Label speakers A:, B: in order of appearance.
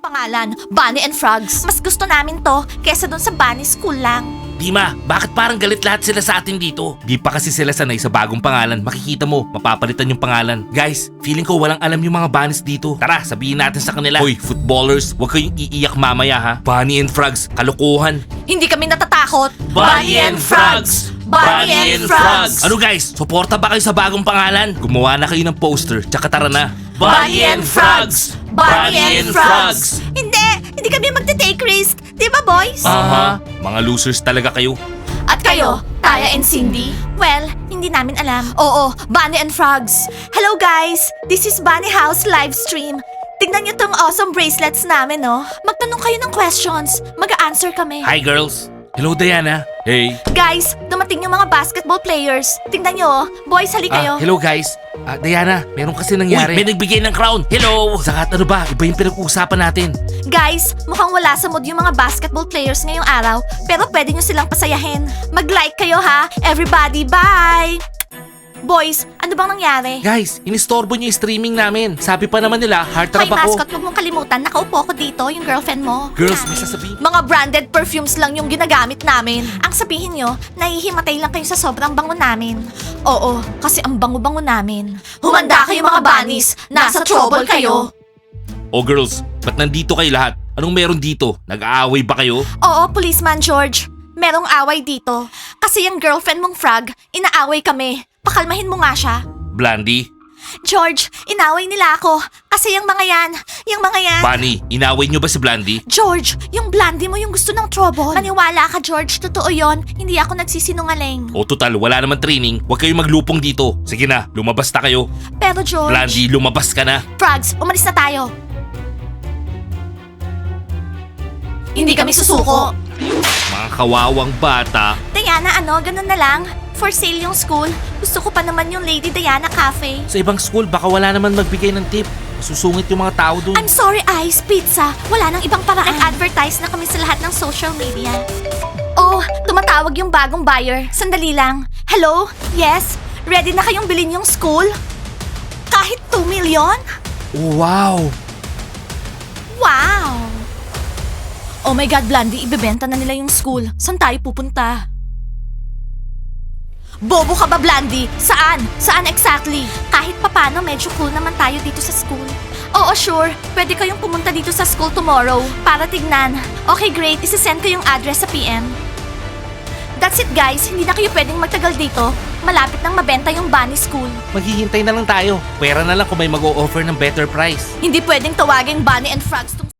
A: pangalan, Bunny and Frogs. Mas gusto namin to kesa dun sa Bunny School lang.
B: Dima, bakit parang galit lahat sila sa atin dito? Di pa kasi sila sanay sa bagong pangalan. Makikita mo, mapapalitan yung pangalan. Guys, feeling ko walang alam yung mga bunnies dito. Tara, sabihin natin sa kanila. Hoy, footballers, huwag kayong iiyak mamaya ha. Bunny and Frogs, kalokohan.
A: Hindi kami natatakot.
B: Bunny and Frogs!
A: Bunny and Frogs!
B: Ano guys, suporta ba kayo sa bagong pangalan? Gumawa na kayo ng poster, tsaka tara na.
A: Bunny and Frogs!
B: Bunny and Frogs!
A: Hindi kami magte-take risk. Di ba, boys?
B: Aha, mga losers talaga kayo.
A: At kayo, Taya and Cindy? Well, hindi namin alam. Oo, Bunny and Frogs. Hello guys! This is Bunny House live stream. Tignan niyo tong awesome bracelets namin, no? Magtanong kayo ng questions. Mag-a-answer kami.
B: Hi girls! Hello Diana! Hey!
A: Guys, dumating yung mga basketball players. Tingnan nyo, oh. Boys, hali kayo.
B: Hello guys! Diana, meron kasi nangyari. Uy, may nagbigay ng crown! Hello! Sakat ano ba? Iba yung pinag-uusapan natin.
A: Guys, mukhang wala sa mood yung mga basketball players ngayong araw, pero pwede nyo silang pasayahin. Mag-like kayo ha! Everybody, bye! Boys, ano bang nangyari?
B: Guys, inistorbo niyo yung streaming namin. Sabi pa naman nila, heartthrob
A: Hoy,
B: ako.
A: mascot, huwag mong kalimutan, nakaupo ko dito, yung girlfriend mo.
B: Girls, may sasabihin.
A: Mga branded perfumes lang yung ginagamit namin. Ang sabihin nyo, nahihimatay lang kayo sa sobrang bango namin. Oo, kasi ang bango-bango namin. Humanda kayo mga bunnies! Nasa trouble kayo!
B: Oh girls, ba't nandito kayo lahat? Anong meron dito? Nag-aaway ba kayo?
A: Oo, Policeman George. Merong away dito. Kasi yung girlfriend mong Frog, inaaway kami. Pakalmahin mo nga siya.
B: Blandy?
A: George, inaway nila ako. Kasi yung mga yan.
B: Bunny, inaway niyo ba si Blandy?
A: George, yung Blandy mo yung gusto ng trouble. Maniwala ka, George. Totoo yon. Hindi ako nagsisinungaling.
B: O total, wala naman training. Huwag kayong maglupong dito. Sige na, lumabas na kayo.
A: Pero George...
B: Blandy, lumabas ka na.
A: Frogs, umalis na tayo. Hindi kami susuko.
B: Mga kawawang bata.
A: Diana, ganun na lang. For sale yung school. Gusto ko pa naman yung Lady Diana Cafe.
B: Sa ibang school, baka wala naman magbigay ng tip. Masusungit yung mga tao dun.
A: I'm sorry, Ice Pizza. Wala nang ibang paraan. Advertise na kami sa lahat ng social media. Oh, tumatawag yung bagong buyer. Sandali lang. Hello? Yes? Ready na kayong bilhin yung school? Kahit 2 million?
B: Oh, wow!
A: Wow! Oh my God, Blandy, ibebenta na nila yung school. Saan tayo pupunta? Bobo ka ba, Blandy? Saan? Saan exactly? Kahit papano, medyo cool naman tayo dito sa school. Oo, sure. Pwede kayong pumunta dito sa school tomorrow para tignan. Okay, great. Isasend ko yung address sa PM. That's it, guys. Hindi na kayo pwedeng magtagal dito. Malapit nang mabenta yung Bunny School.
B: Maghihintay na lang tayo. Pera na lang kung may mag-o-offer ng better price.
A: Hindi pwedeng tawaging Bunny and Frogs tong